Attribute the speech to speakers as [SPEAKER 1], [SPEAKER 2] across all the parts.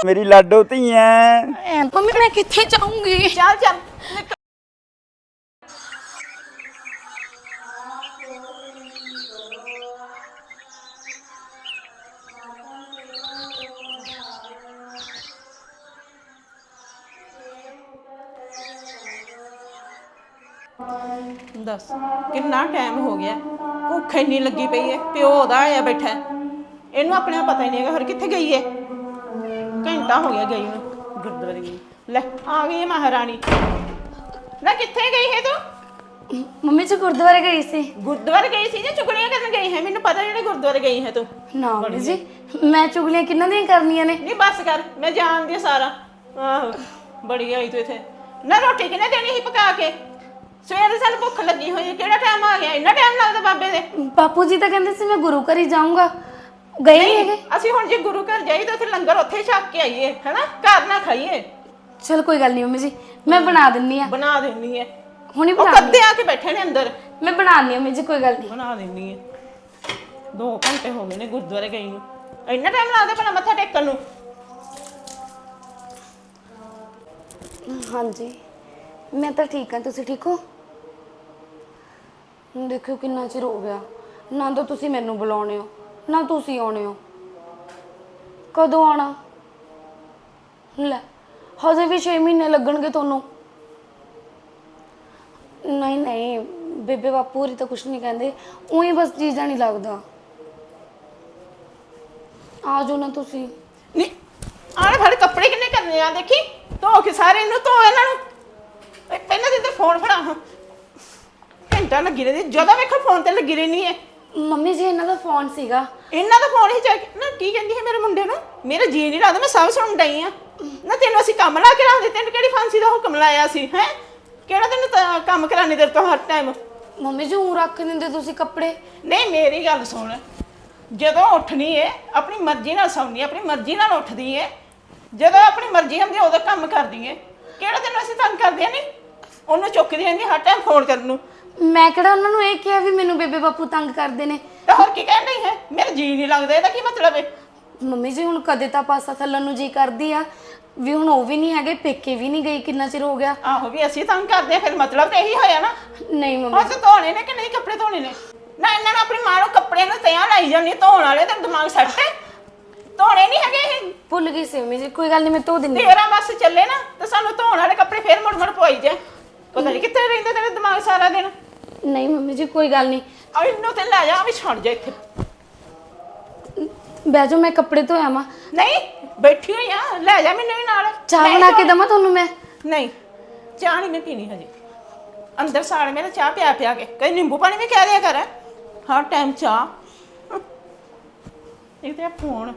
[SPEAKER 1] मेरी लाडो धीए
[SPEAKER 2] मम्मी मैं किथे जाऊंगी।
[SPEAKER 3] चल चल दस कितना टाइम हो गया भुख इन्नी लगी पई है प्यो ओदा आया बैठा इनू अपने पता ही नहीं है हर किथे गई है घंटा हो गया गई गुरुद्वारे गई ले आ गई है महारानी ना किथे गई है तू
[SPEAKER 2] मम्मी जी गुरुद्वारे गई सी।
[SPEAKER 3] गुरुद्वारे गई सी या चुगलियां करन गई है मैनू पता जेड़े गुरुद्वारे गई है तू
[SPEAKER 2] ना मम्मी जी मैं चुगलियां किन्ना दी करनियां ने।
[SPEAKER 3] नहीं बस कर मैं जानदी सारा आहो बड़ी आई तू इथे ना रोटी किने देनी ही पका के ਸਵੇਰੇ ਸਾਨੂੰ ਭੁੱਖ ਲੱਗੀ ਹੋਈ ਹੈ ਕਿਹੜਾ ਟਾਈਮ ਆ ਗਿਆ ਇੰਨਾ ਟਾਈਮ ਲੱਗਦਾ ਬਾਬੇ ਦੇ।
[SPEAKER 2] ਬਾਪੂ ਜੀ ਤਾਂ ਕਹਿੰਦੇ ਸੀ ਮੈਂ ਗੁਰੂ ਘਰ ਹੀ ਜਾਊਂਗਾ ਗਏ ਨਹੀਂ ਹੈਗੇ।
[SPEAKER 3] ਅਸੀਂ ਹੁਣ ਜੇ ਗੁਰੂ ਘਰ ਜਾਈ ਤਾਂ ਉੱਥੇ ਲੰਗਰ ਉੱਥੇ ਹੀ ਛਕ ਕੇ ਆਈਏ ਹੈਨਾ ਘਰ ਨਾ ਖਾਈਏ।
[SPEAKER 2] ਚਲ ਕੋਈ ਗੱਲ ਨਹੀਂ ਮੰਮੀ ਜੀ ਮੈਂ ਬਣਾ ਦਿੰਨੀ ਆ।
[SPEAKER 3] ਬਣਾ ਦੇਣੀ ਹੈ
[SPEAKER 2] ਹੁਣੀ
[SPEAKER 3] ਉਹ
[SPEAKER 2] ਬਣਾ
[SPEAKER 3] ਕੱਦੇ ਆ ਕੇ ਬੈਠੇ ਨੇ ਅੰਦਰ।
[SPEAKER 2] ਮੈਂ ਬਣਾਉਣੀ ਆ ਮੰਮੀ ਜੀ ਕੋਈ ਗੱਲ ਨਹੀਂ
[SPEAKER 3] ਬਣਾ ਦੇਣੀ ਹੈ 2 ਘੰਟੇ ਹੋ ਗਏ ਨੇ ਗੁਰਦੁਆਰੇ ਗਈ ਨੂੰ ਇੰਨਾ ਟਾਈਮ ਲੱਗਦਾ ਭਲਾ ਮੱਥਾ ਟੇਕਣ ਨੂੰ।
[SPEAKER 2] ਹਾਂਜੀ ਮੈਂ ਤਾਂ ਠੀਕ ਹਾਂ ਤੁਸੀਂ ਠੀਕ ਹੋ। ਦੇਖੋ ਕਿੰਨਾ ਚਿਰ ਹੋ ਗਿਆ ਨਾ ਤਾਂ ਤੁਸੀਂ ਮੈਨੂੰ ਬੁਲਾਉਣੇ ਹੋ ਨਾ ਤੁਸੀਂ ਆਉਣੇ ਹੋ। ਕਦੋਂ ਆਣਾ ਲੈ ਹਜੇ ਵੀ 6 ਮਹੀਨੇ ਲੱਗਣਗੇ ਤੁਹਾਨੂੰ। ਨਹੀਂ ਨਹੀਂ ਬੇਬੇ ਬਾਪੂ ਹੋਰੀ ਤਾਂ ਕੁਛ ਨਹੀਂ ਕਹਿੰਦੇ ਉਹੀ ਬਸ ਜੀਜਾ ਨਹੀਂ ਲੱਗਦਾ। ਆ ਜਾਓ ਨਾ ਤੁਸੀਂ।
[SPEAKER 3] ਨਹੀਂ ਆਲੇ ਫੜ ਕੱਪੜੇ ਕਿੰਨੇ ਕਰਨੇ ਆ ਦੇਖੀ ਧੋ ਕੇ ਸਾਰੇ ਨੂੰ ਧੋ ਇਹਨਾਂ ਨੂੰ ਪਹਿਲਾਂ ਤੇ ਫੋਨ ਫੜਾ ਹਾਂ ਘੰਟਾ ਲੱਗੀ ਰਹੀ ਜਦੋਂ ਵੇਖੋ ਫੋਨ ਤੇ ਲੱਗੀ ਰਹਿਣੀ ਹੈ।
[SPEAKER 2] ਮੰਮੀ ਜੀ ਇਹਨਾਂ ਦਾ ਫੋਨ ਸੀਗਾ।
[SPEAKER 3] ਇਹਨਾਂ ਦਾ ਫੋਨ ਹੀ ਚੱਕ ਨਾ ਕੀ ਕਹਿੰਦੀ ਹੈ ਮੇਰੇ ਮੁੰਡੇ ਨੂੰ ਮੇਰਾ ਜੀ ਨਹੀਂ ਲੱਗਦਾ ਮੈਂ ਸਭ ਸੁਣ ਡਈ ਆ ਨਾ ਤੈਨੂੰ ਅਸੀਂ ਕੰਮ ਲਾ ਕੇ ਰੱਖਦੇ ਤੈਨੂੰ ਕਿਹੜੀ ਫਾਂਸੀ ਦਾ ਹੁਕਮ ਲਾਇਆ ਸੀ ਹੈ ਕਿਹੜਾ ਤੈਨੂੰ ਕੰਮ ਕਰਾਣੇ ਦੇ ਤੋਂ ਹਰ ਟਾਈਮ।
[SPEAKER 2] ਮੰਮੀ ਜੀ ਉਹ ਰੱਖ ਦਿੰਦੇ ਤੁਸੀਂ ਕੱਪੜੇ।
[SPEAKER 3] ਨਹੀਂ ਮੇਰੀ ਗੱਲ ਸੁਣ ਜਦੋਂ ਉੱਠਣੀ ਹੈ ਆਪਣੀ ਮਰਜ਼ੀ ਨਾਲ ਸੌਂਦੀ ਆਪਣੀ ਮਰਜ਼ੀ ਨਾਲ ਉੱਠਦੀ ਹੈ ਜਦੋਂ ਆਪਣੀ ਮਰਜ਼ੀ ਹੁੰਦੀ ਉਦੋਂ ਕੰਮ ਕਰਦੀ ਹੈ ਕਿਹੜਾ ਤੈਨੂੰ ਅਸੀਂ ਤੰਗ ਕਰਦੇ ਨਹੀਂ ਉਹਨੂੰ ਚੁੱਕਦੀ ਰਹਿੰਦੀ ਹਰ ਟਾਈਮ ਫੋਨ ਕਰਨ ਨੂੰ।
[SPEAKER 2] ਮੈਂ ਕਿਹੜਾ ਉਹਨਾਂ ਨੂੰ ਇਹ ਕਿਹਾ ਵੀ ਮੈਨੂੰ ਬੇਬੇ ਬਾਪੂ ਤੰਗ ਕਰਦੇ ਨੇ।
[SPEAKER 3] ਤਾਂ ਹੋਰ ਕੀ ਕਹਿਣ ਡਈ ਹੈ ਮੇਰਾ ਜੀ ਨਹੀਂ ਲੱਗਦਾ ਇਹਦਾ ਕੀ ਮਤਲਬ ਹੈ।
[SPEAKER 2] ਮੰਮੀ ਜੀ ਹੁਣ ਕਦੇ ਤਾਂ ਪਾਸਾ ਥੱਲਣ ਨੂੰ ਜੀ ਕਰਦੀ ਆ ਵੀ ਹੁਣ ਉਹ ਵੀ ਨਹੀਂ ਹੈਗੇ ਪੇਕੇ ਵੀ ਨਹੀਂ ਗਈ ਕਿੰਨਾ ਚਿਰ ਹੋ ਗਿਆ।
[SPEAKER 3] ਆਹੋ ਵੀ ਅਸੀਂ ਤੰਗ ਕਰਦੇ ਆ ਫਿਰ ਮਤਲਬ ਤਾਂ ਇਹੀ ਹੋਇਆ ਨਾ।
[SPEAKER 2] ਨਹੀਂ ਮੰਮੀ
[SPEAKER 3] ਹੁਣ ਧੋਣੇ ਨੇ ਕਿ ਨਹੀਂ ਕੱਪੜੇ ਧੋਣੇ ਨੇ ਨਾ ਇਹਨਾਂ ਨੂੰ ਆਪਣੀ ਮਾਂ ਨੂੰ ਕੱਪੜੇ ਨੂੰ ਤਿਆਂ ਲਾਈ ਜਾਂਦੀ ਧੋਣ ਵਾਲੇ ਤੇ ਦਿਮਾਗ ਸੱਟ ਹੈ ਧੋਣੇ ਨਹੀਂ ਹੈਗੇ ਇਹ।
[SPEAKER 2] ਭੁੱਲ ਗਈ ਸੀ ਮੰਮੀ ਜੀ ਕੋਈ ਗੱਲ ਨਹੀਂ ਮੈਂ ਧੋ ਦਿੰਦੀ।
[SPEAKER 3] ਤੇਰਾ ਬਸ ਚੱਲੇ ਨਾ ਤੇ ਸਾਨੂੰ ਧੋਣ ਵਾਲੇ ਕੱਪੜੇ ਫੇਰ ਮੁੜ ਮੁੜ ਪਵਾਈ ਜਾ ਪਤਾ ਨਹੀਂ ਕਿੱਥੇ ਰਹਿੰਦਾ ਤੇਰਾ ਦਿਮਾਗ ਸਾਰਾ ਦਿਨ।
[SPEAKER 2] ਨਹੀਂ ਮੰਮੀ ਜੀ ਕੋਈ ਗੱਲ ਨਹੀਂ
[SPEAKER 3] ਆ ਇਹਨੂੰ ਤੇ ਲੈ ਜਾ ਵੀ ਛੱਡ ਜਾ ਇੱਥੇ
[SPEAKER 2] ਬਹਿ ਜਾਓ ਮੈਂ ਕੱਪੜੇ ਧੋਇਆ ਵਾਂ।
[SPEAKER 3] ਨਹੀਂ ਬੈਠੀ ਹੋਈ ਆ ਲੈ ਜਾ ਮੈਨੂੰ ਵੀ ਨਾਲ
[SPEAKER 2] ਚਾਹ ਬਣਾ ਕੇ ਦਵਾਂ ਤੁਹਾਨੂੰ ਮੈਂ।
[SPEAKER 3] ਨਹੀਂ ਚਾਹ ਨਹੀਂ ਮੈਂ ਪੀਣੀ ਹਜੇ ਅੰਦਰ ਸਾੜ ਮੇਰਾ ਚਾਹ ਪਿਆ ਕੇ ਕਈ ਨਿੰਬੂ ਪਾਣੀ ਵੀ ਕਹਿ ਦਿਆ ਕਰ ਹਰ ਟਾਈਮ ਚਾਹ ਇਹ ਤੇ ਫੋਨ।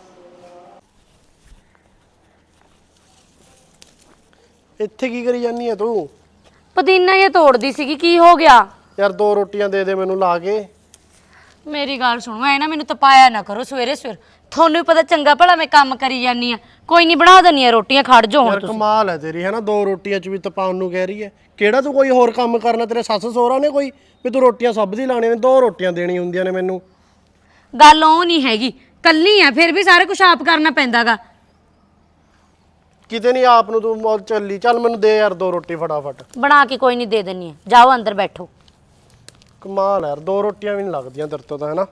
[SPEAKER 4] ਇੱਥੇ ਕੀ ਕਰੀ ਜਾਨੀ ਆ ਤੂੰ?
[SPEAKER 5] ਪੁਦੀਨਾ ਇਹ ਤੋੜਦੀ ਸੀਗੀ ਕੀ ਹੋ ਗਿਆ?
[SPEAKER 4] ਯਾਰ 2 ਰੋਟੀਆਂ ਦੇ ਦੇ ਮੈਨੂੰ ਲਾ ਕੇ।
[SPEAKER 5] ਮੇਰੀ ਗੱਲ ਸੁਣੋ ਐ ਨਾ ਮੈਨੂੰ ਤਪਾਇਆ ਨਾ ਕਰੋ ਸਵੇਰੇ ਸਵੇਰ ਤੁਹਾਨੂੰ ਵੀ ਪਤਾ ਚੰਗਾ ਭਲਾ ਮੈਂ ਕੰਮ ਕਰੀ ਜਾਨੀ ਆ ਕੋਈ ਨਹੀਂ ਬਣਾ ਦਨੀ ਆ ਰੋਟੀਆਂ ਖੜ ਜਾਓ ਹੁਣ
[SPEAKER 4] ਯਾਰ
[SPEAKER 5] ਤੁਸੀਂ।
[SPEAKER 4] ਕਮਾਲ ਹੈ ਤੇਰੀ ਹੈ ਨਾ 2 ਰੋਟੀਆਂ ਚ ਵੀ ਤਪਾਉਣ ਨੂੰ ਕਹਿ ਰਹੀ ਹੈ ਕਿਹੜਾ ਤੂੰ ਕੋਈ ਹੋਰ ਕੰਮ ਕਰਨਾ ਤੇਰੇ ਸੱਸ ਸਹੁਰਾ ਨੇ ਕੋਈ ਵੀ ਤੂੰ ਰੋਟੀਆਂ ਸਭ ਦੀ ਲਾਣੀਆਂ ਨੇ 2 ਰੋਟੀਆਂ ਦੇਣੀ ਹੁੰਦੀਆਂ ਨੇ ਮੈਨੂੰ।
[SPEAKER 5] ਗੱਲ ਉਹ ਨਹੀਂ ਹੈਗੀ ਕੱਲੀ ਆ ਫਿਰ ਵੀ ਸਾਰਾ ਕੁਝ ਆਪ ਕਰਨਾ ਪੈਂਦਾਗਾ।
[SPEAKER 4] ਕਿਤੇ ਨਹੀਂ ਆਪ ਨੂੰ ਤੂੰ ਮੌਤ ਚੱਲੀ ਚੱਲ ਮੈਨੂੰ ਦੇ ਯਾਰ 2 ਰੋਟੀ ਫਟਾਫਟ।
[SPEAKER 5] ਬਣਾ ਕੇ ਕੋਈ ਨਹੀਂ ਦੇ ਦਿੰਨੀ ਆ ਜਾਓ ਅੰਦਰ ਬੈਠੋ।
[SPEAKER 4] ਕਮਾਲ ਯਾਰ 2 ਰੋਟੀਆਂ ਵੀ ਨਹੀਂ ਲੱਗਦੀਆਂ ਤੇਰੇ ਤੋਂ ਤਾਂ ਹੈ ਨਾ।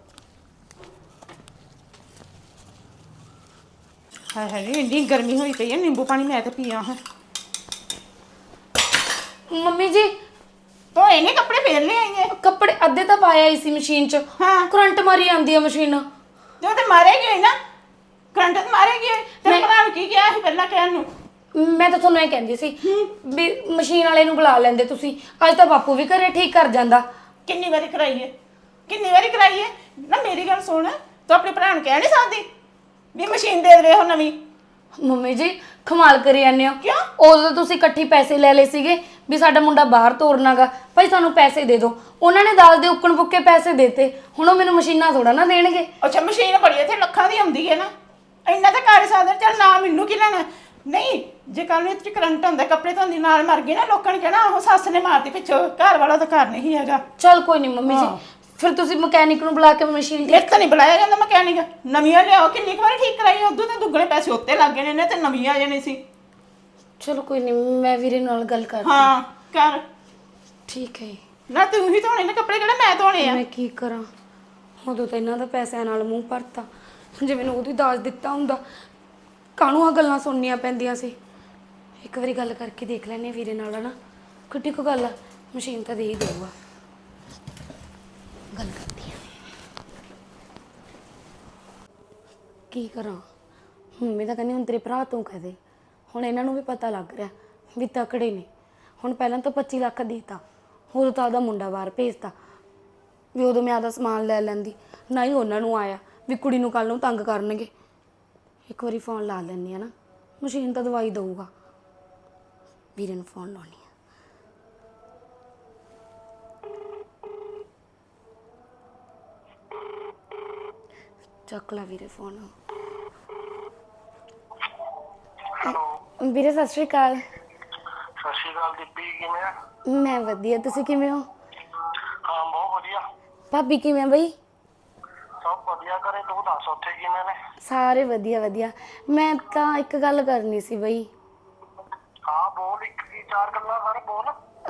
[SPEAKER 3] ਹਾਏ ਹਾਏ ਇੰਨੀ ਗਰਮੀ ਹੋਈ ਪਈ ਹੈ ਨਿੰਬੂ ਪਾਣੀ ਮੈਂ ਤਾਂ ਪੀਆ ਹਾਂ।
[SPEAKER 2] ਮੰਮੀ ਜੀ
[SPEAKER 3] ਤੋ ਇਹਨੇ ਕੱਪੜੇ ਫੇਰ ਲੈ ਆਈਏ
[SPEAKER 2] ਕੱਪੜੇ ਅੱਧੇ ਤਾਂ ਪਾਇਆ ਹੀ ਸੀ ਮਸ਼ੀਨ 'ਚ।
[SPEAKER 3] ਹਾਂ
[SPEAKER 2] ਕਰੰਟ ਮਾਰੀ ਆਂਦੀ ਆ ਮਸ਼ੀਨ।
[SPEAKER 3] ਜੋ ਤੇ ਮਾਰੇਗੀ ਹੋਈ ਨਾ ਕਰੰਟ ਤੇ ਮਾਰੇਗੀ ਤੇਰੇ ਭਰਾ ਨੂੰ ਕੀ ਕਿਹਾ ਸੀ ਪਹਿਲਾਂ ਕਹਿਣ ਨੂੰ।
[SPEAKER 2] ਮੈਂ ਤਾਂ ਤੁਹਾਨੂੰ ਇਹ ਕਹਿੰਦੀ ਸੀ ਵੀ ਮਸ਼ੀਨ ਵਾਲੇ ਨੂੰ ਬੁਲਾ ਲੈਂਦੇ ਤੁਸੀਂ ਅੱਜ ਤਾਂ ਬਾਪੂ ਵੀ ਘਰੇ ਠੀਕ ਕਰ ਜਾਂਦਾ।
[SPEAKER 3] ਕਿੰਨੀ ਵਾਰੀ ਕਰਾਈਏ ਨਾ ਮੇਰੀ ਗੱਲ ਸੁਣ ਤੂੰ ਆਪਣੇ ਭਰਾ ਨੂੰ ਕਹਿ ਨਹੀਂ ਸਕਦੀ ਵੀ ਮਸ਼ੀਨ ਦੇ ਦੇਵੇ ਉਹ ਨਵੀਂ।
[SPEAKER 2] ਮੰਮੀ ਜੀ ਕਮਾਲ ਕਰੀ ਜਾਂਦੇ ਹੋ।
[SPEAKER 3] ਕਿਉਂ?
[SPEAKER 2] ਉਦੋਂ ਤੁਸੀਂ ਇਕੱਠੀ ਪੈਸੇ ਲੈ ਲਏ ਸੀਗੇ ਵੀ ਸਾਡਾ ਮੁੰਡਾ ਬਾਹਰ ਤੋਰਨਾਗਾ ਭਾਈ ਸਾਨੂੰ ਪੈਸੇ ਦੇ ਦਿਓ ਉਹਨਾਂ ਨੇ ਦਾਲ ਦੇ ਉੱਕਣ ਪੁੱਕੇ ਪੈਸੇ ਦੇਤੇ ਹੁਣ ਉਹ ਮੈਨੂੰ ਮਸ਼ੀਨਾਂ ਥੋੜਾ ਨਾ ਦੇਣਗੇ।
[SPEAKER 3] ਅੱਛਾ ਮਸ਼ੀਨ ਬੜੀ ਇੱਥੇ ਲੱਖਾਂ ਦੀ ਆਉਂਦੀ ਹੈ ਨਾ ਇੰਨਾ ਤਾਂ ਕਰ ਸਕਦਾ ਚੱਲ ਨਾ ਮੈਨੂੰ ਕੀ ਲੈਣਾ। ਨਹੀਂ ਜੇ ਕੱਲ ਨੂੰ ਇੱਥੇ ਕਰੰਟ ਹੁੰਦਾ ਕੱਪੜੇ ਧੋਂਦੀ ਨਾਲ ਮਰ ਗਈ ਨਾ ਲੋਕਾਂ ਨੇ ਕਹਿਣਾ ਉਹ ਸੱਸ ਨੇ ਮਾਰਤੀ ਪਿੱਛੋਂ ਘਰ ਵਾਲਾ ਤਾਂ ਘਰ ਨਹੀਂ ਹੈਗਾ।
[SPEAKER 2] ਚਲ ਕੋਈ ਨਹੀਂ ਮੰਮੀ ਜੀ ਫਿਰ ਤੁਸੀਂ ਮਕੈਨਿਕ ਨੂੰ ਬੁਲਾ ਕੇ ਮਸ਼ੀਨ
[SPEAKER 3] ਮੇਰੇ ਤਾਂ ਨਹੀਂ ਬੁਲਾਇਆ ਜਾਂਦਾ ਮਕੈਨਿਕ। ਨਵੀਆਂ ਲਿਆਓ, ਕਿੰਨੀ ਕੁ ਵਾਰ ਠੀਕ ਕਰਾਈ, ਉਦੋਂ ਤਾਂ ਦੁੱਗਣੇ ਪੈਸੇ ਉੱਤੇ ਲੱਗ ਗਏ ਨੇ ਤੇ ਨਵੀਆਂ ਆ ਜਾਣੀ ਸੀ।
[SPEAKER 2] ਚਲੋ ਕੋਈ ਨਹੀਂ, ਮੈਂ ਵੀਰੇ ਨਾਲ ਗੱਲ ਕਰਦੀ।
[SPEAKER 3] ਹਾਂ ਕਰ।
[SPEAKER 2] ਠੀਕ ਹੈ।
[SPEAKER 3] ਨਾ ਤੂੰ ਹੀ ਧੋਣੇ ਨੇ ਕੱਪੜੇ, ਕਿਹੜੇ ਮੈਂ ਧੋਣੇ ਆ?
[SPEAKER 2] ਮੈਂ ਕੀ ਕਰਾਂ, ਉਦੋਂ ਤਾਂ ਇਹਨਾਂ ਦਾ ਪੈਸਿਆਂ ਨਾਲ ਮੂੰਹ ਭਰਤਾ। ਜੇ ਮੈਨੂੰ ਉਹਦੀ ਦਾਜ ਦਿੱਤਾ ਹੁੰਦਾ, ਕਾਹਨੂੰ ਆ ਗੱਲਾਂ ਸੁਣਨੀਆਂ ਪੈਂਦੀਆਂ ਸੀ। ਇੱਕ ਵਾਰੀ ਗੱਲ ਕਰਕੇ ਦੇਖ ਲੈਣੇ ਵੀਰੇ ਨਾਲ, ਹਨਾ ਕਿੱਡੀ ਕੁ ਗੱਲ ਆ, ਮਸ਼ੀਨ ਤਾਂ ਦੇ ਹੀ ਦੇਊਗਾ। ਗੱਲ ਕਰਦੀ ਆ। ਕੀ ਕਰਾਂ, ਮੰਮੀ ਤਾਂ ਕਹਿੰਦੀ ਹੁਣ ਤੇਰੇ ਭਰਾ ਤੋਂ ਕਹਦੇ। ਹੁਣ ਇਹਨਾਂ ਨੂੰ ਵੀ ਪਤਾ ਲੱਗ ਰਿਹਾ ਵੀ ਤਕੜੇ ਨੇ। ਹੁਣ ਪਹਿਲਾਂ ਤਾਂ 25 ਲੱਖ ਦੇਤਾ, ਉਦੋਂ ਤਾਂ ਉਹਦਾ ਮੁੰਡਾ ਬਾਹਰ ਭੇਜਤਾ ਵੀ ਉਦੋਂ ਮੈਂ ਆਦਾ ਸਮਾਨ ਲੈ ਲੈਂਦੀ। ਨਾ ਹੀ ਉਹਨਾਂ ਨੂੰ ਆਇਆ ਵੀ ਕੁੜੀ ਨੂੰ ਕੱਲ ਨੂੰ ਤੰਗ ਕਰਨਗੇ। ਇੱਕ ਵਾਰੀ ਫੋਨ ਲਾ ਲੈਂਦੀ ਆ ਨਾ, ਮਸ਼ੀਨ ਤਾਂ ਦਵਾਈ ਦਊਗਾ। ਵੀਰੇ ਨੂੰ ਫੋਨ ਲਾਉਣੀ ਆ। ਚੱਕ ਲਾ ਵੀਰੇ ਫੋਨ। ਵੀਰੇ ਸਤਿ ਸ਼੍ਰੀ ਅਕਾਲ।
[SPEAKER 4] ਸਤਿ ਸ਼੍ਰੀ ਅਕਾਲ ਦੀਪੀ, ਕਿਵੇਂ ਆ?
[SPEAKER 2] ਮੈਂ ਵਧੀਆ, ਤੁਸੀਂ ਕਿਵੇਂ ਹੋ?
[SPEAKER 4] ਹਾਂ ਬਹੁਤ ਵਧੀਆ।
[SPEAKER 2] ਭਾਬੀ ਕਿਵੇਂ ਬਈ?
[SPEAKER 4] ਸਭ ਵਧੀਆ ਕਰੇ, ਤੂੰ ਦੱਸ ਉੱਥੇ ਕਿਵੇਂ ਨੇ?
[SPEAKER 2] ਸਾਰੇ ਵਧੀਆ ਵਧੀਆ। ਮੈਂ ਤਾਂ ਇੱਕ ਗੱਲ ਕਰਨੀ ਸੀ ਬਈ।
[SPEAKER 4] ਹਾਂ ਬੋਲ, ਇੱਕ ਕੀ ਚਾਰ ਗੱਲਾਂ ਸਰ ਬੋਲ।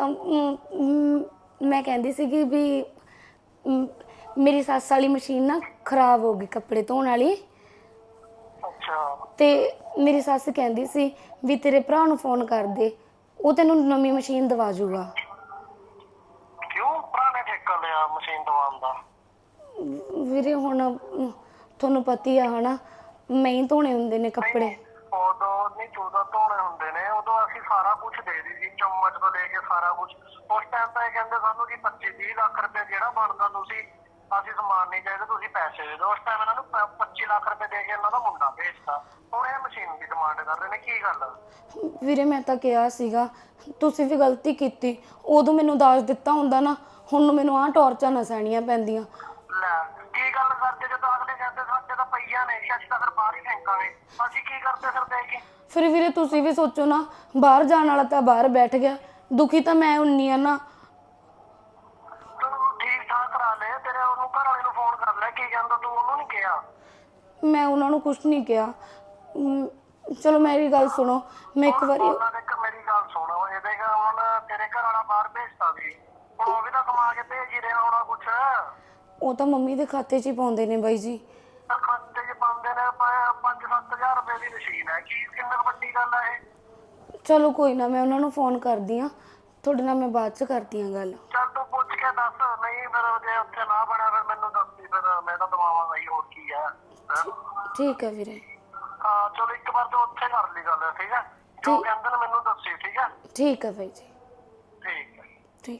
[SPEAKER 2] ਮੈਂ ਕਹਿੰਦੀ ਸੀਗੀ ਵੀ ਮੇਰੀ ਸੱਸ ਵਾਲੀ ਮਸ਼ੀਨ ਨਾ ਖਰਾਬ ਹੋ ਗਈ, ਕੱਪੜੇ ਧੋਣ ਵਾਲੀ।
[SPEAKER 4] ਅੱਛਾ।
[SPEAKER 2] ਤੇ ਮੇਰੀ ਸੱਸ ਕਹਿੰਦੀ ਸੀ ਵੀ ਤੇਰੇ ਭਰਾ ਨੂੰ ਫੋਨ ਕਰ ਦੇ, ਉਹ ਤੈਨੂੰ ਨਵੀਂ ਮਸ਼ੀਨ ਦਵਾ ਜੂਗਾ।
[SPEAKER 4] ਕਿਉਂ, ਭਰਾ ਨੇ ਠੇਕਾ ਲਿਆ ਮਸ਼ੀਨ ਦਵਾਉਣ ਦਾ?
[SPEAKER 2] ਵੀਰੇ ਹੁਣ ਤੁਹਾਨੂੰ ਪਤਾ ਹੀ ਆ ਹਨਾ, ਮੈਂ ਹੀ ਧੋਣੇ ਹੁੰਦੇ ਨੇ ਕੱਪੜੇ।
[SPEAKER 4] ਉਦੋਂ ਨਹੀਂ, ਚੌਦਾਂ ਧੋਣੇ ਹੁੰਦੇ ਨੇ, ਉਦੋਂ ਅਸੀਂ ਸਾਰਾ ਕੁਝ ਦੇ ਦੀ ਸੀ, ਚਮਚ ਤੋਂ ਲੈ ਕੇ ਸਾਰਾ ਕੁਝ। ਉਸ ਟਾਈਮ ਤਾਂ ਇਹ ਕਹਿੰਦੇ ਸਾਨੂੰ ਕਿ 25-30 ਲੱਖ ਰੁਪਏ ਜਿਹੜਾ ਬਣਦਾ ਤੁਸੀਂ, ਅਸੀਂ ਸਮਾਨ ਨਹੀਂ ਚਾਹੀਦਾ, ਤੁਸੀਂ ਪੈਸੇ ਦੇ ਦਿਓ। ਉਸ ਟਾਈਮ ਇਹਨਾਂ ਨੂੰ 25 ਲੱਖ ਰੁਪਏ ਦੇ ਕੇ ਇਹਨਾਂ ਦਾ ਮੁੰਡਾ ਭੇਜਤਾ। ਹੁਣ ਇਹ ਮਸ਼ੀਨ ਦੀ ਡਿਮਾਂਡ ਕਰ ਰਹੇ ਨੇ, ਕੀ ਗੱਲ?
[SPEAKER 2] ਵੀਰੇ ਮੈਂ ਤਾਂ ਕਿਹਾ ਸੀਗਾ, ਤੁਸੀਂ ਵੀ ਗਲਤੀ ਕੀਤੀ। ਉਦੋਂ ਮੈਨੂੰ ਦਾਜ ਦਿੱਤਾ ਹੁੰਦਾ ਨਾ, ਹੁਣ ਮੈਨੂੰ ਆਹ ਟੌਰਚਾਂ ਨਾ ਸਹਿਣੀਆਂ ਪੈਂਦੀਆਂ।
[SPEAKER 4] ਲੈ ਕੀ ਗੱਲ ਕਰਦੇ, ਜਦੋਂ ਅਗਲੇ ਕਹਿੰਦੇ ਸਾਡੇ ਤਾਂ ਪਈਆਂ ਨੇ, ਅਸੀਂ ਤਾਂ ਫਿਰ ਬਾਹਰ ਹੀ ਫੇਂਕਾਂਗੇ, ਅਸੀਂ ਕੀ ਕਰਦੇ ਫਿਰ ਦੇ ਕੇ?
[SPEAKER 2] ਫਿਰ ਵੀਰੇ ਤੁਸੀਂ ਵੀ ਸੋਚੋ ਨਾ, ਬਾਹਰ ਜਾਣ ਵਾਲਾ ਤਾਂ ਬਾਹਰ ਬੈਠ ਗਿਆ, ਦੁਖੀ ਤਾਂ ਮੈਂ ਹੁੰਨੀ ਆ ਨਾ।
[SPEAKER 4] ਤੂੰ ਠੀਕ ਠਾਕ ਕਰਾ ਲੈ, ਤੇਰੇ ਉਹਨੂੰ ਘਰ ਵਾਲੇ ਨੂੰ ਫੋਨ ਕਰ ਲੈ, ਕੀ ਕਹਿੰਦਾ ਤੂੰ ਉਹਨੂੰ ਨਹੀਂ ਕਿਹਾ?
[SPEAKER 2] ਮੈਂ ਉਹਨਾਂ ਨੂੰ ਕੁਝ ਨਹੀਂ ਕਿਹਾ। ਚਲੋ ਮੇਰੀ ਗੱਲ ਸੁਣੋ, ਮੈਂ ਇੱਕ ਵਾਰੀ
[SPEAKER 4] ਉਹਨਾਂ ਨੇ ਮੇਰੀ ਗੱਲ ਸੁਣ, ਇਹਦੇ ਹੁਣ ਤੇਰੇ ਘਰ ਵਾਲਾ ਬਾਹਰ ਭੇਜਤਾ ਸੀ, ਹੁਣ ਉਹ ਵੀ ਤਾਂ ਕਮਾ ਕੇ ਭੇਜ ਹੀ ਰਿਹਾ ਹੋਣਾ ਕੁਛ।
[SPEAKER 2] ਉਹ ਤਾਂ ਮੰਮੀ ਦੇ ਖਾਤੇ 'ਚ ਹੀ ਪਾਉਂਦੇ ਨੇ ਬਾਈ ਜੀ।
[SPEAKER 4] ਖਾਤੇ 'ਚ ਪਾਉਂਦੇ ਨੇ 5-7 ਹਜ਼ਾਰ ਰੁਪਏ ਦੀ ਮਸ਼ੀਨ ਹੈ, ਕੀ ਕਿੰਨੀ ਵੱਡੀ ਗੱਲ ਹੈ ਇਹ?
[SPEAKER 2] ਚਲੋ ਕੋਈ ਨਾ, ਮੈਂ ਉਹਨਾਂ ਨੂੰ ਫੋਨ ਕਰਦੀ ਆ, ਤੁਹਾਡੇ ਨਾਲ ਮੈਂ ਬਾਅਦ 'ਚ ਕਰਦੀ ਆ ਗੱਲ।
[SPEAKER 4] ਚੱਲ ਤੂੰ ਪੁੱਛ ਕੇ ਦੱਸ, ਨਹੀਂ ਫਿਰ ਜੇ ਉੱਥੇ ਨਾ ਬਣਿਆ ਫਿਰ ਮੈਨੂੰ ਦੱਸਦੀ, ਫਿਰ ਮੈਂ ਤਾਂ ਦਵਾਵਾਂਗਾ ਹੀ, ਹੋਰ ਕੀ ਹੈ।
[SPEAKER 2] ਠੀਕ ਹੈ ਵੀਰੇ।
[SPEAKER 4] ਹਾਂ ਚਲੋ ਇੱਕ ਵਾਰ ਤੂੰ ਉੱਥੇ ਕਰ ਲਈ ਗੱਲ, ਠੀਕ ਹੈ? ਜੋ ਕਹਿੰਦੇ ਨੇ ਮੈਨੂੰ ਦੱਸੀ, ਠੀਕ ਹੈ?
[SPEAKER 2] ਠੀਕ ਹੈ ਬਾਈ ਜੀ।
[SPEAKER 4] ਠੀਕ ਹੈ।
[SPEAKER 2] ਠੀਕ।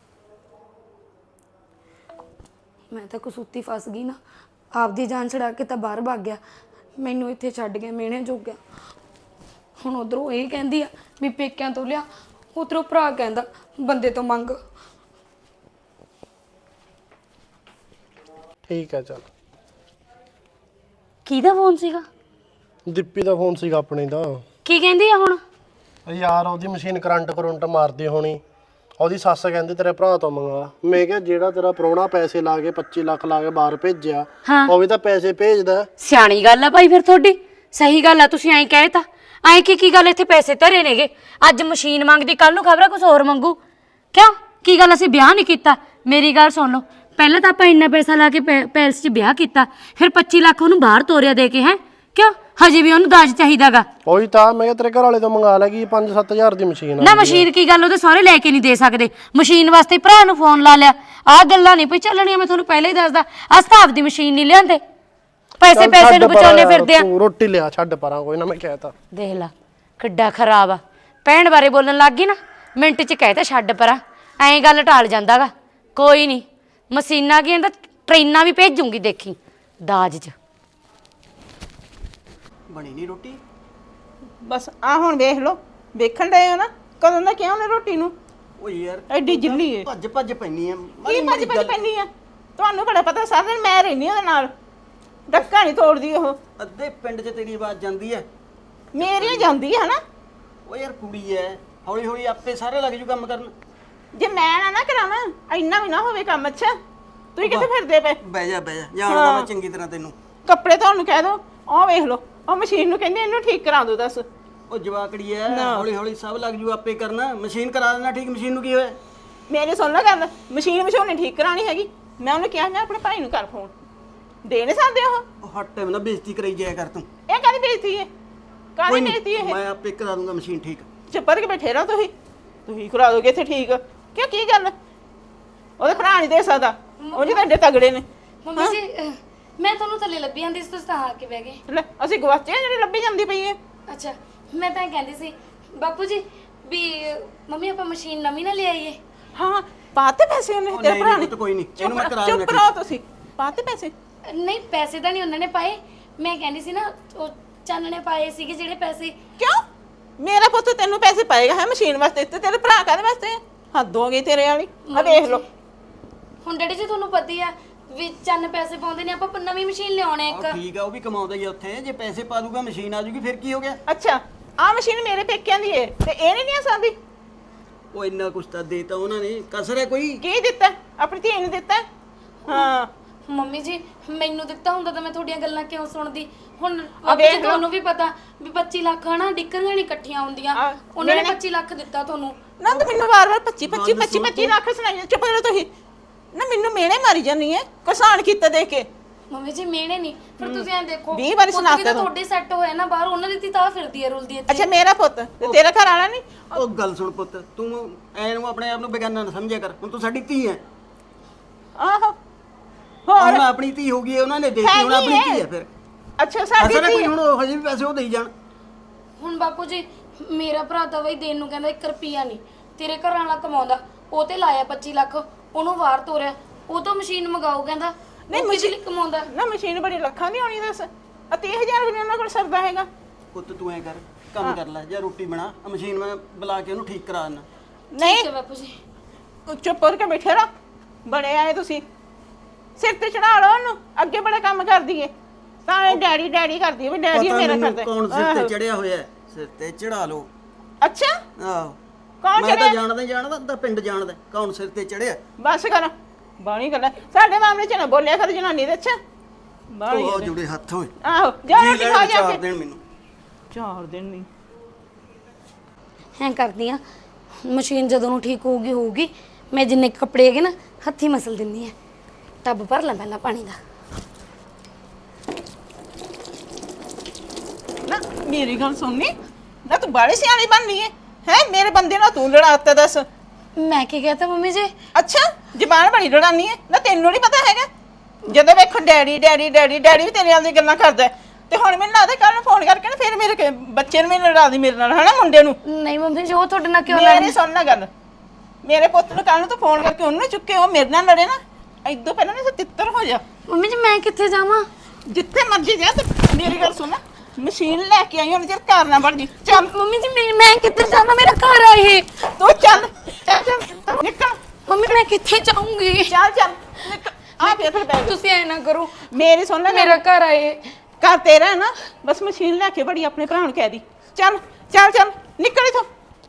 [SPEAKER 2] ਮੈਂ ਤਾਂ ਕਸੂਤੀ ਫਸ ਗਈ ਨਾ, ਆਪਦੀ ਜਾਨ ਛੜਾ ਕੇ ਤਾਂ ਬਾਹਰ ਭੱਗ ਗਿਆ, ਮੈਨੂੰ ਇੱਥੇ ਛੱਡ ਗਿਆ ਮਿਹਣੇ ਜੋਗਿਆ। ਹੁਣ ਉਧਰੋਂ ਇਹ ਕਹਿੰਦੀ ਆ ਵੀ ਪੇਕਿਆਂ ਤੋਂ ਲਿਆ, ਉਧਰੋਂ ਭਰਾ ਕਹਿੰਦਾ ਬੰਦੇ ਤੋਂ ਮੰਗ।
[SPEAKER 4] ਠੀਕ ਹੈ ਚੱਲ।
[SPEAKER 5] ਕਿਹਦਾ ਫੋਨ ਸੀਗਾ?
[SPEAKER 4] ਦੀਪੀ ਦਾ ਫੋਨ ਸੀਗਾ ਆਪਣੇ ਦਾ।
[SPEAKER 5] ਕੀ ਕਹਿੰਦੀ ਆ ਹੁਣ?
[SPEAKER 4] ਯਾਰ ਉਹਦੀ ਮਸ਼ੀਨ ਕਰੰਟ ਮਾਰਦੀ ਹੋਣੀ, ਉਹਦੀ ਸੱਸ ਕਹਿੰਦੀ ਤੇਰੇ ਭਰਾ ਤੋਂ ਮੰਗਾ। ਮੈਂ ਕਿਹਾ ਜਿਹੜਾ ਤੇਰਾ ਪ੍ਰਾਹੁਣਾ ਪੈਸੇ ਲਾ ਕੇ 25 ਲੱਖ ਲਾ ਕੇ ਬਾਹਰ ਭੇਜਿਆ, ਉਹ ਵੀ ਤਾਂ ਪੈਸੇ ਭੇਜਦਾ।
[SPEAKER 5] ਸਿਆਣੀ ਗੱਲ ਆ ਭਾਈ ਫਿਰ ਤੁਹਾਡੀ, ਸਹੀ ਗੱਲ ਆ। ਤੁਸੀਂ ਐਂ ਕਹੇ ਤਾਂ ਐਂ ਕੀ ਗੱਲ, ਇੱਥੇ ਪੈਸੇ ਧਰੇ ਨੇਗੇ, ਅੱਜ ਮਸ਼ੀਨ ਮੰਗਦੀ, ਕੱਲ ਨੂੰ ਖਬਰ ਆ ਕੁਝ ਹੋਰ ਮੰਗੂ। ਕਿਉਂ, ਕੀ ਗੱਲ ਅਸੀਂ ਵਿਆਹ ਨਹੀਂ ਕੀਤਾ? ਮੇਰੀ ਗੱਲ ਸੁਣ ਲਓ, ਪਹਿਲਾਂ ਤਾਂ ਆਪਾਂ ਇੰਨਾ ਪੈਸਾ ਲਾ ਕੇ ਪੈਲਸ 'ਚ ਵਿਆਹ ਕੀਤਾ, ਫਿਰ 25 ਲੱਖ ਉਹਨੂੰ ਬਾਹਰ ਤੋਰਿਆ ਦੇ ਕੇ। ਹੈ ਕਿਉਂ, ਹਜੇ ਵੀ ਉਹਨੂੰ ਦਾਜ ਚਾਹੀਦਾਗਾ?
[SPEAKER 4] ਉਹੀ ਤਾਂ ਮੈਂ ਕਿਹਾ ਤੇਰੇ ਘਰ ਵਾਲੇ ਤੋਂ ਮੰਗਾ ਲੈ, ਕੀ 5-7 ਹਜ਼ਾਰ ਦੀ ਮਸ਼ੀਨ ਆ।
[SPEAKER 5] ਨਾ ਮਸ਼ੀਨ ਕੀ ਗੱਲ, ਉਹਦੇ ਸਾਰੇ ਲੈ ਕੇ ਨਹੀਂ ਦੇ ਸਕਦੇ। ਮਸ਼ੀਨ ਵਾਸਤੇ ਭਰਾ ਨੂੰ ਫੋਨ ਲਾ ਲਿਆ, ਆਹ ਗੱਲਾਂ ਨਹੀਂ ਪਈ ਚੱਲਣੀਆਂ। ਮੈਂ ਤੁਹਾਨੂੰ ਪਹਿਲਾਂ ਹੀ ਦੱਸਦਾ, ਅਸਤਾਫ ਦੀ ਮਸ਼ੀਨ ਨਹੀਂ ਲਿਆਂਦੇ, ਪੈਸੇ ਨੂੰ ਬਚਾਉਣੇ ਫਿਰਦੇ ਆ।
[SPEAKER 4] ਤੂੰ ਰੋਟੀ ਲਿਆ, ਛੱਡ ਪਰਾਂ, ਕੋਈ ਨਾ, ਮੈਂ ਕਹਿਤਾ।
[SPEAKER 5] ਦੇਖ ਲਾ ਕਿੱਡਾ ਖਰਾਬ ਆ, ਭੈਣ ਬਾਰੇ ਬੋਲਣ ਲੱਗ ਗਈ ਨਾ, ਮਿੰਟ 'ਚ ਕਹਿਤਾ ਛੱਡ ਪਰਾਂ, ਐਂ ਗੱਲ ਟਾਲ ਜਾਂਦਾਗਾ। ਕੋਈ ਨਹੀਂ, ਮਸ਼ੀਨਾਂ ਕੀ, ਇਹਦਾ ਟ੍ਰੇਨਾਂ ਵੀ ਭੇਜੂਗੀ, ਦੇਖੀ ਦਾਜ 'ਚ।
[SPEAKER 1] ਬਣੀ ਨਹੀਂ ਰੋਟੀ?
[SPEAKER 3] ਬਸ ਆ ਹੁਣ ਵੇਖ ਲਓ, ਵੇਖਣ ਡਏ ਹੋ ਨਾ ਕਦੋਂ ਦਾ ਕਿਹਾ ਉਹਨੇ ਰੋਟੀ ਨੂੰ।
[SPEAKER 1] ਓ ਯਾਰ
[SPEAKER 3] ਐਡੀ ਜਿੱਲੀ ਏ,
[SPEAKER 1] ਭੱਜ ਭੱਜ ਪੈਣੀ ਆ।
[SPEAKER 3] ਕੀ ਭੱਜ ਪੈਣੀ ਆ? ਤੁਹਾਨੂੰ ਬੜਾ ਪਤਾ, ਸਾਰਾ ਦਿਨ ਮੈਂ ਰਹਿੰਦੀ ਉਹਦੇ ਨਾਲ, ਡੱਕਾ ਨਹੀਂ ਤੋੜਦੀ ਉਹ।
[SPEAKER 1] ਅੱਧੇ ਪਿੰਡ 'ਚ ਤੇਰੀ ਆਵਾਜ਼ ਜਾਂਦੀ ਐ।
[SPEAKER 3] ਮੇਰੀ ਜਾਂਦੀ ਹੈ ਨਾ।
[SPEAKER 1] ਓ ਯਾਰ ਕੁੜੀ ਐ, ਹੌਲੀ ਹੌਲੀ ਆਪੇ ਸਾਰੇ ਲੱਗ ਜੂ ਕੰਮ ਕਰਨ।
[SPEAKER 3] ਜੇ ਮੈਂ ਨਾ ਕਰਾਵਾਂ, ਇੰਨਾ ਵੀ ਨਾ ਹੋਵੇ ਕੰਮ। ਅੱਛਾ ਤੁਸੀਂ ਕਿੱਥੇ ਫਿਰਦੇ ਪਏ?
[SPEAKER 1] ਬਹਿ ਜਾ ਜਾਣਦਾ ਮੈਂ ਚੰਗੀ ਤਰ੍ਹਾਂ ਤੈਨੂੰ।
[SPEAKER 3] ਕੱਪੜੇ ਤੁਹਾਨੂੰ ਕਹਿ ਦੋ, ਆਹ ਵੇਖ ਲਓ, ਆਹ ਮਸ਼ੀਨ ਨੂੰ ਕਹਿੰਦੇ ਇਹਨੂੰ ਠੀਕ ਕਰਾ ਦਿਓ। ਦੱਸ
[SPEAKER 1] ਉਹ ਜਵਾਕੜੀ ਐ, ਹੌਲੀ ਹੌਲੀ ਸਭ ਲੱਗ ਜੂ ਆਪੇ ਕਰਨਾ। ਮਸ਼ੀਨ ਕਰਾ ਦੇਣਾ ਠੀਕ। ਮਸ਼ੀਨ ਨੂੰ ਕੀ ਹੋਇਆ?
[SPEAKER 3] ਮੇਰੀ ਸੁਣ ਲੈ ਗੱਲ, ਮਸ਼ੀਨ ਨਹੀਂ ਠੀਕ ਕਰਾਣੀ ਹੈਗੀ। ਮੈਂ ਉਹਨੂੰ ਕਿਹਾ ਮੈਂ ਆਪਣੇ ਭਾਈ ਨੂੰ ਕਰ ਫੋਨ, ਦੇ ਨਹੀਂ ਸਕਦੇ ਉਹ।
[SPEAKER 1] ਹੱਟ ਟਾਈਮ ਨਾ ਬੇਇੱਜ਼ਤੀ ਕਰਾਈ ਜਾਇਆ ਕਰ ਤੂੰ।
[SPEAKER 3] ਇਹ ਕਾਹਦੀ ਬੇਇੱਜ਼ਤੀ ਹੈ? ਕਾਹਦੀ
[SPEAKER 1] ਨੀ,
[SPEAKER 3] ਬੇਇੱਜ਼ਤੀ ਹੈ?
[SPEAKER 1] ਮੈਂ ਆਪੇ ਕਰਾ ਦੂੰਗਾ ਮਸ਼ੀਨ ਠੀਕ।
[SPEAKER 3] ਚੁੱਪ ਕਰਕੇ ਬੈਠੇ ਰਹੋ ਤੁਸੀਂ ਕਰਾ ਦੋਗੇ ਇੱਥੇ ਠੀਕ। ਕਿਉਂ ਕੀ ਗੱਲ? ਉਹਦੇ ਭਰਾ ਨਹੀਂ ਦੇ ਸਕਦਾ, ਉਹ ਜੀ ਤੁਹਾਡੇ ਤਗੜੇ ਨੇ।
[SPEAKER 2] ਮੰਮੀ ਜੀ ਮੈਂ ਤੁਹਾਨੂੰ ਥੱਲੇ ਲੱਭੀ ਜਾਂਦੀ ਸੀ, ਤੁਸੀਂ ਤਾਂ ਆ ਕੇ ਬਹਿ ਗਏ।
[SPEAKER 3] ਲੈ ਅਸੀਂ ਗਵਾਚੇ ਜਿਹੜੀ ਲੱਭੀ ਜਾਂਦੀ ਪਈ ਹੈ।
[SPEAKER 2] ਅੱਛਾ ਮੈਂ ਤਾਂ ਇਹ ਕਹਿੰਦੀ ਸੀ ਬਾਪੂ ਜੀ ਵੀ ਮੰਮੀ ਆਪਾਂ ਮਸ਼ੀਨ ਨਵੀਂ ਨਾ ਲੈ ਆਈਏ।
[SPEAKER 3] ਹਾਂ ਪਾਤੇ ਪੈਸੇ ਉਹਨੇ ਤੇਰੇ ਭਰਾ ਨੇ?
[SPEAKER 1] ਕੋਈ ਨਹੀਂ, ਇਹਨੂੰ ਮੈਂ ਕਰਾ
[SPEAKER 3] ਚੁੱਪ ਰਹੋ ਤੁਸੀਂ। ਪਾਤੇ ਪੈਸੇ?
[SPEAKER 2] ਨਹੀਂ ਪੈਸੇ ਤਾਂ ਨਹੀਂ ਉਹਨਾਂ ਨੇ ਪਾਏ, ਮੈਂ ਕਹਿੰਦੀ ਸੀ ਨਾ ਉਹ ਚੰਨ ਨੇ ਪਾਏ ਸੀਗੇ ਜਿਹੜੇ ਪੈਸੇ।
[SPEAKER 3] ਕਿਉਂ? ਮੇਰਾ ਪੁੱਤ ਤੈਨੂੰ ਪੈਸੇ ਪਾਏਗਾ ਹੈ ਮਸ਼ੀਨ ਵਾਸਤੇ, ਤੇ ਤੇਰੇ ਭਰਾ ਕਾਹਦੇ ਵਾਸਤੇ? ਹੱਦ ਹੋ ਗਈ ਤੇਰੇ ਵਾਲੀ। ਆ ਵੇਖ ਲਓ
[SPEAKER 2] ਹੁਣ ਡੈਡੀ ਜੀ ਤੁਹਾਨੂੰ ਪਤਾ ਹੀ ਆ ਵੀ ਚੰਨ ਪੈਸੇ ਪਾਉਂਦੇ ਨੇ, ਆਪਾਂ ਨਵੀਂ ਮਸ਼ੀਨ ਲਿਆਉਣੇ ਇੱਕ।
[SPEAKER 1] ਠੀਕ ਆ, ਉਹ ਵੀ ਕਮਾਉਂਦਾ ਹੀ ਆ ਉੱਥੇ। ਜੇ ਪੈਸੇ ਪਾ ਦੂਗਾ ਮਸ਼ੀਨ ਆ ਜੂਗੀ, ਫਿਰ ਕੀ ਹੋ ਗਿਆ?
[SPEAKER 3] ਅੱਛਾ ਆ ਮਸ਼ੀਨ ਮੇਰੇ ਪੇਕਿਆਂ ਦੀ ਏ ਤੇ ਇਹ ਨਹੀਂ ਆ ਸਕਦੀ?
[SPEAKER 1] ਉਹ ਇੰਨਾ ਕੁਛ ਤਾਂ ਦੇਤਾ ਉਹਨਾਂ ਨੇ, ਕਸਰ ਹੈ ਕੋਈ?
[SPEAKER 3] ਕੀ ਦਿੱਤਾ? ਆਪਣੀ ਧੀ ਨੂੰ ਦਿੱਤਾ? ਹਾਂ
[SPEAKER 2] ਮੰਮੀ ਜੀ ਮੈਨੂੰ ਦਿੱਤਾ ਹੁੰਦਾ ਤਾਂ ਮੈਂ ਤੁਹਾਡੀਆਂ ਗੱਲਾਂ ਕਿਉਂ ਸੁਣਦੀ? ਹੁਣ
[SPEAKER 3] ਵੇਖ ਲਓ।
[SPEAKER 2] ਤੁਹਾਨੂੰ ਵੀ ਪਤਾ ਵੀ 25 ਲੱਖ ਹਨਾ ਡਿੱਕਣੀਆਂ ਨਹੀਂ ਇਕੱਠੀਆਂ ਹੁੰਦੀਆਂ। ਉਹਨਾਂ ਨੇ 25 ਲੱਖ ਦਿੱਤਾ ਤੁਹਾਨੂੰ।
[SPEAKER 3] ਨਾ ਤੂੰ ਮੈਨੂੰ ਵਾਰ-ਵਾਰ 25 ਲੱਖ ਸੁਣਾਈ। ਚੁੱਪ ਕਰੋ ਤੁਸੀਂ ਨਾ, ਮੈਨੂੰ ਮੇਨੇ ਮਾਰੀ ਜਾਨੀ ਹੈ ਕਿਸਾਨ ਕੀਤਾ ਦੇਖ ਕੇ।
[SPEAKER 2] ਮੰਮੀ ਜੀ ਮਿਹਣੇ ਨਹੀਂ, ਫਿਰ ਤੁਸੀਂ ਐਂ ਦੇਖੋ
[SPEAKER 3] 20 ਵਾਰੀ ਸੁਣਾ ਤਾ ਤੂੰ।
[SPEAKER 2] ਤੁਹਾਡੇ ਸੈੱਟ ਹੋਇਆ ਨਾ ਬਾਹਰ, ਉਹਨਾਂ ਦੀ ਤਾਂ ਫਿਰਦੀ ਹੈ ਰੁਲਦੀ ਹੈ।
[SPEAKER 3] ਅੱਛਾ ਮੇਰਾ ਪੁੱਤ ਤੇ ਤੇਰਾ ਘਰ ਵਾਲਾ ਨਹੀਂ?
[SPEAKER 1] ਉਹ ਗੱਲ ਸੁਣ ਪੁੱਤ, ਤੂੰ ਐਨੂੰ ਆਪਣੇ ਆਪ ਨੂੰ ਬੇਗਾਨਾ ਨਾ ਸਮਝਿਆ ਕਰ। ਹੁਣ ਤੂੰ ਸਾਡੀ ਧੀ ਹੈ।
[SPEAKER 3] ਆਹੋ ਹੋਰ
[SPEAKER 1] ਹੁਣ ਆਪਣੀ ਧੀ ਹੋ ਗਈ ਹੈ, ਉਹਨਾਂ ਨੇ ਦੇਤੀ, ਹੁਣ ਆਪਣੀ ਧੀ ਹੈ ਫਿਰ।
[SPEAKER 3] ਅੱਛਾ ਸਾਡੀ
[SPEAKER 1] ਅਸਰ ਹੈ
[SPEAKER 3] ਧੀ
[SPEAKER 1] ਕੋਈ? ਹੁਣ ਉਹ ਹਜੇ ਵੀ ਪੈਸੇ ਉਹ ਦੇਈ ਜਾਣ।
[SPEAKER 2] ਹੁਣ ਬਾਪੂ ਜੀ ਮੇਰਾ ਭਰਾ ਤਾਂ ਬਈ ਦੇਣ ਨੂੰ ਕਹਿੰਦਾ 1 ਰੁਪਿਆ ਨਹੀਂ। ਤੇਰੇ ਘਰ ਵਾਲਾ ਕਮਾਉਂਦਾ, ਉਹ ਤੇ ਲਾਇਆ 25 ਲੱਖ, ਉਹਨੂੰ ਬਾਹਰ ਤੋਰਿਆ, ਉਹ ਤੋਂ ਮਸ਼ੀਨ ਮੰਗਾਓ ਕਹਿੰਦਾ। ਨਹੀਂ ਮਸ਼ੀਨ ਕਮਾਉਂਦਾ
[SPEAKER 3] ਨਾ, ਮਸ਼ੀਨ ਬੜੀ ਲੱਖਾਂ ਦੀ ਹੋਣੀ। ਦੱਸ ਆ 30,000 ਵੀ ਨੀ ਉਹਨਾਂ ਕੋਲ ਸਰਦਾ ਹੈਗਾ।
[SPEAKER 1] ਪੁੱਤ ਤੂੰ ਐ ਕਰ, ਕੰਮ ਕਰ ਲੈ, ਜਾਂ ਰੋਟੀ ਬਣਾ, ਆ ਮਸ਼ੀਨ ਮੈਂ ਬੁਲਾ ਕੇ ਉਹਨੂੰ ਠੀਕ ਕਰਾ ਦੇਣਾ।
[SPEAKER 3] ਨਹੀਂ
[SPEAKER 2] ਠੀਕ ਹੈ ਬਾਪੂ ਜੀ।
[SPEAKER 3] ਚੁੱਪ ਕਰਕੇ ਬੈਠੇ ਰਹੋ। ਬੜੇ ਆਏ ਤੁਸੀਂ, ਸਿਰ ਤੇ ਚੜਾ ਲਓ ਉਹਨੂੰ। ਅੱਗੇ ਬੜਾ ਕੰਮ ਕਰਦੀ ਏ ਤਾਂ ਇਹ ਡੈਡੀ ਕਰਦੀ ਏ ਵੀ ਡੈਡੀ
[SPEAKER 1] ਪਤਾ
[SPEAKER 3] ਮੇਰਾ
[SPEAKER 1] ਮੈਨੂੰ
[SPEAKER 3] ਕਰਦਾ।
[SPEAKER 1] ਕੌਣ ਸਿਰ ਤੇ ਚੜਿਆ ਹੋਇਆ ਹੈ? ਸਿਰ ਤੇ ਚੜਾ ਲਓ।
[SPEAKER 3] ਅੱਛਾ
[SPEAKER 1] ਆਹੋ
[SPEAKER 3] ਕੌਣ
[SPEAKER 1] ਮੈਂ ਤਾਂ
[SPEAKER 3] ਚੜਿਆ?
[SPEAKER 1] ਜਾਣਦਾ ਤਾਂ ਪਿੰਡ ਜਾਣਦਾ ਕੌਣ ਸਿਰ ਤੇ ਚੜਿਆ।
[SPEAKER 3] ਬਸ ਕਰ, ਬਾਣੀ ਗੱਲ ਹੈ। ਸਾਡੇ ਮਾਮਲੇ ਚ ਨਾ ਬੋਲਿਆ ਕਰ ਜਨਾਨੀ ਦੇ। ਅੱਛਾ ਬਾਣੀ
[SPEAKER 1] ਉਹ ਜੁੜੇ ਹੱਥ ਹੋਏ।
[SPEAKER 3] ਆਹੋ ਜਾ ਰੋਟੀ ਖਾ ਜਾ
[SPEAKER 1] ਚਾਰ
[SPEAKER 3] ਕੇ।
[SPEAKER 1] ਦਿਨ ਮੈਨੂੰ
[SPEAKER 3] 4 ਦਿਨ ਨਹੀਂ
[SPEAKER 2] ਐਂ ਕਰਦੀ ਆ, ਮਸ਼ੀਨ ਜਦੋਂ ਨੂੰ ਠੀਕ ਹੋਊਗੀ ਮੈਂ ਜਿੰਨੇ ਕੁ ਕੱਪੜੇ ਹੈਗੇ ਨਾ ਹੱਥੀ ਮਸਲ ਦਿੰਦੀ ਆ। ਟੱਬ ਭਰ ਲਾਂ ਪਹਿਲਾਂ ਪਾਣੀ ਦਾ।
[SPEAKER 3] ਨਾ ਮੇਰੀ ਗੱਲ ਸੁਣਨੀ ਨਾ, ਤੂੰ ਬਾੜੀ ਸਿਆਣੀ ਬਣਨੀ ਹੈ ਮੇਰੇ ਬੰਦੇ ਨਾਲ ਤੂੰ ਲੜਾਤਾ। ਦੱਸ
[SPEAKER 2] ਮੈਂ ਕੀ ਕਹਤਾ ਮੰਮੀ ਜੀ?
[SPEAKER 3] ਅੱਛਾ ਜ਼ਬਾਨ ਬੜੀ ਲੜਾਨੀ ਹੈ ਨਾ, ਤੈਨੂੰ ਨਹੀਂ ਪਤਾ ਹੈਗਾ? ਜਦੋਂ ਵੇਖੋ ਡੈਡੀ ਵੀ ਤੇਰੇ ਨਾਲ ਦੀ ਗੱਲਾਂ ਕਰਦਾ ਤੇ ਹੁਣ ਮੈਨੂੰ ਲੱਗਦਾ ਕੱਲ ਨੂੰ ਫੋਨ ਕਰਕੇ ਨਾ ਫਿਰ ਮੇਰੇ ਬੱਚੇ ਨੂੰ ਵੀ ਲੜਾ ਦੀ ਮੇਰੇ ਨਾਲ, ਹਨਾ ਮੁੰਡੇ ਨੂੰ।
[SPEAKER 2] ਨਹੀਂ ਮੰਮੀ ਜੀ ਉਹ ਤੁਹਾਡੇ ਨਾਲ ਕਿਉਂ
[SPEAKER 3] ਮੇਰੀ ਸੁਣ ਨਾ ਗੱਲ, ਮੇਰੇ ਪੁੱਤ ਨੂੰ ਕੱਲ ਨੂੰ ਤੂੰ ਫੋਨ ਕਰਕੇ ਉਹਨੂੰ ਚੁੱਕੇ, ਉਹ ਮੇਰੇ ਨਾਲ ਲੜੇ ਨਾ, ਇਦੋਂ ਪਹਿਲਾਂ ਨਾ ਤਿੱਤਰ ਹੋ ਜਾ।
[SPEAKER 2] ਮੰਮੀ ਜੀ ਮੈਂ ਕਿੱਥੇ ਜਾਵਾਂ?
[SPEAKER 3] ਜਿੱਥੇ ਮਰਜੀ ਜਾ। ਤੇ ਮੇਰੀ ਗੱਲ ਸੁਣ, ਮਸ਼ੀਨ ਲੈ ਕੇ ਆਈ ਹੁਣ, ਜੇ ਘਰ ਨਾ ਬਣ ਜੀ। ਚੱਲ
[SPEAKER 2] ਮੰਮੀ ਜੀ ਮੈਂ ਕਿੱਥੇ ਜਾਵਾਂ? ਮੇਰਾ ਘਰ ਆ ਇਹ।
[SPEAKER 3] ਤੂੰ ਚੱਲ ਨਿਕਲ।
[SPEAKER 2] ਮੰਮੀ ਮੈਂ ਕਿੱਥੇ ਜਾਊਂਗੀ?
[SPEAKER 3] ਚੱਲ ਨਿਕਲ। ਆ ਫਿਰ ਬੈਗ।
[SPEAKER 2] ਤੁਸੀਂ ਐ ਨਾ ਕਰੋ,
[SPEAKER 3] ਮੇਰੀ ਸੁਣ ਲੈ,
[SPEAKER 2] ਮੇਰਾ ਘਰ ਆ ਇਹ।
[SPEAKER 3] ਘਰ ਤੇਰਾ ਹੈ ਨਾ, ਬਸ ਮਸ਼ੀਨ ਲੈ ਕੇ ਬੜੀ ਆਪਣੇ ਭਰਾ ਨੂੰ ਕਹਿ ਦੀ। ਚੱਲ ਨਿਕਲ ਇਥੋਂ।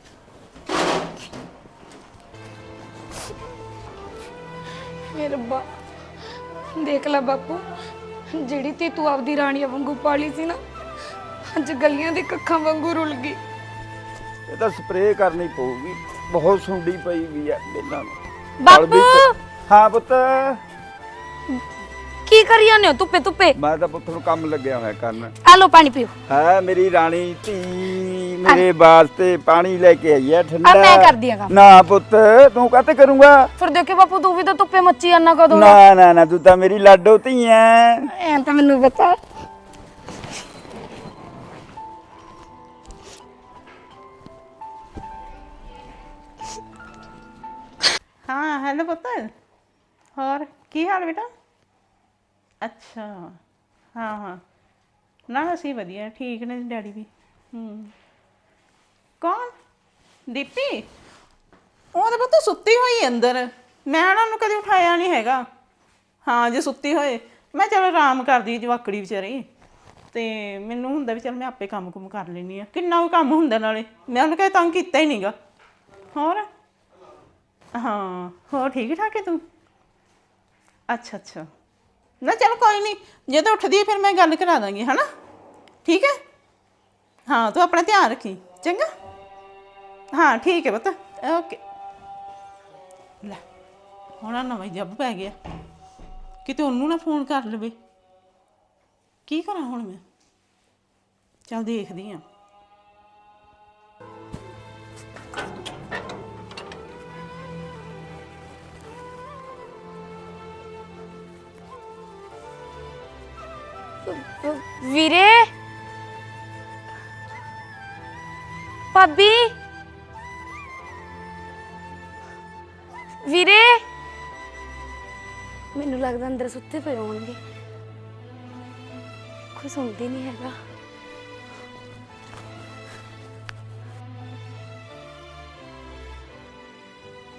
[SPEAKER 2] ਮੇਰੇ ਰੱਬਾ ਦੇਖ ਲੈ ਬਾਪੂ, ਜਿਹੜੀ ਤੇ ਤੂੰ ਆਪਦੀ ਰਾਣੀ ਵਾਂਗੂ ਪਾਲੀ ਸੀ ਨਾ, ਅੱਜ ਗਲੀਆਂ ਦੇ ਕੱਖਾਂ ਵਾਂਗੂ ਰੁਲ ਗਈ।
[SPEAKER 6] ਇਹ ਤਾਂ ਸਪਰੇਅ ਕਰਨੀ ਪਊਗੀ, ਬਹੁਤ ਸੁੰਡੀ ਪਈ ਵੀ ਆ ਬੇਲਾਂ ਨੂੰ।
[SPEAKER 2] ਬਾਪੂ
[SPEAKER 6] ਹਾਂ ਪੁੱਤ,
[SPEAKER 2] ਕੀ ਕਰੀ ਜਾਂਦੇ ਹੋ ਧੁੱਪੇ?
[SPEAKER 6] ਮੈਂ ਤਾਂ ਪੁੱਤ ਨੂੰ ਕੰਮ ਲੱਗਿਆ ਹੋਇਆ ਕਰਨ।
[SPEAKER 2] ਆ ਲੋ ਪਾਣੀ ਪੀਓ।
[SPEAKER 6] ਹੈ ਮੇਰੀ ਰਾਣੀ ਧੀ ਮੇਰੇ ਵਾਸਤੇ ਪਾਣੀ ਲੈ ਕੇ ਆਈ ਹੈ ਠੰਡਾ।
[SPEAKER 2] ਆ ਮੈਂ ਕਰਦੀ ਆ ਕੰਮ।
[SPEAKER 6] ਨਾ ਪੁੱਤ ਤੂੰ ਕਾਹਤੇ ਕਰੂੰਗਾ?
[SPEAKER 2] ਫਿਰ ਦੇਖੇ ਬਾਪੂ ਤੂੰ ਵੀ ਤਾਂ ਧੁੱਪੇ ਮੱਚੀ ਜਾਂਦਾ ਕਦੋਂ?
[SPEAKER 6] ਨਾ ਤੂੰ ਤਾਂ ਮੇਰੀ ਲਾਡੋ ਧੀ ਐ।
[SPEAKER 2] ਐ ਤਾਂ ਮੈਨੂੰ ਪਤਾ।
[SPEAKER 3] ਹਾਂ ਹੈਲੋ ਪੁੱਤ, ਹੋਰ ਕੀ ਹਾਲ ਬੇਟਾ? ਅੱਛਾ ਹਾਂ ਨਾ ਅਸੀਂ ਵਧੀਆ ਠੀਕ ਨੇ ਡੈਡੀ ਵੀ। ਕੌਣ? ਦੀਪੀ? ਉਹ ਤਾਂ ਪੁੱਤ ਸੁੱਤੀ ਹੋਈ ਅੰਦਰ, ਮੈਂ ਉਹਨਾਂ ਨੂੰ ਕਦੇ ਉਠਾਇਆ ਨਹੀਂ ਹੈਗਾ। ਹਾਂ ਜੇ ਸੁੱਤੀ ਹੋਏ ਮੈਂ ਚਲ ਆਰਾਮ ਕਰਦੀ ਜਵਾਕੜੀ ਵਿਚਾਰੀ, ਤੇ ਮੈਨੂੰ ਹੁੰਦਾ ਵੀ ਚਲ ਮੈਂ ਆਪੇ ਕੰਮ ਕਰ ਲੈਂਦੀ ਆ। ਕਿੰਨਾ ਕੁ ਕੰਮ ਹੁੰਦਾ, ਨਾਲੇ ਮੈਂ ਉਹਨੂੰ ਕਹੇ ਤੰਗ ਕੀਤਾ ਹੀ ਨਹੀਂਗਾ। ਹੋਰ ਹਾਂ ਹੋਰ ਠੀਕ ਠਾਕ ਹੈ ਤੂੰ? ਅੱਛਾ ਅੱਛਾ ਨਾ ਚਲ ਕੋਈ ਨਹੀਂ ਜਦੋਂ ਉੱਠਦੀ ਹੈ ਫਿਰ ਮੈਂ ਗੱਲ ਕਰਾ ਦਾਂਗੀ ਹਨਾ ਠੀਕ ਹੈ ਹਾਂ ਤੂੰ ਆਪਣਾ ਧਿਆਨ ਰੱਖੀ ਚੰਗਾ ਹਾਂ ਠੀਕ ਹੈ ਪੁੱਤ ਓਕੇ ਲੈ ਹੁਣ ਆਹ ਨਵਾਂ ਹੀ ਜੱਬ ਪੈ ਗਿਆ ਕਿਤੇ ਉਹਨੂੰ ਨਾ ਫੋਨ ਕਰ ਲਵੇ ਕੀ ਕਰਾਂ ਹੁਣ ਮੈਂ ਚੱਲ ਦੇਖਦੀ ਆ
[SPEAKER 5] ਵੀਰੇ ਭਾਬੀ ਵੀਰੇ
[SPEAKER 2] ਮੈਨੂੰ ਲੱਗਦਾ ਅੰਦਰ ਸੁੱਤੇ ਪਏ ਹੋਣਗੇ ਕੋਈ ਸੁਣਦੀ ਨਹੀਂ ਹੈਗਾ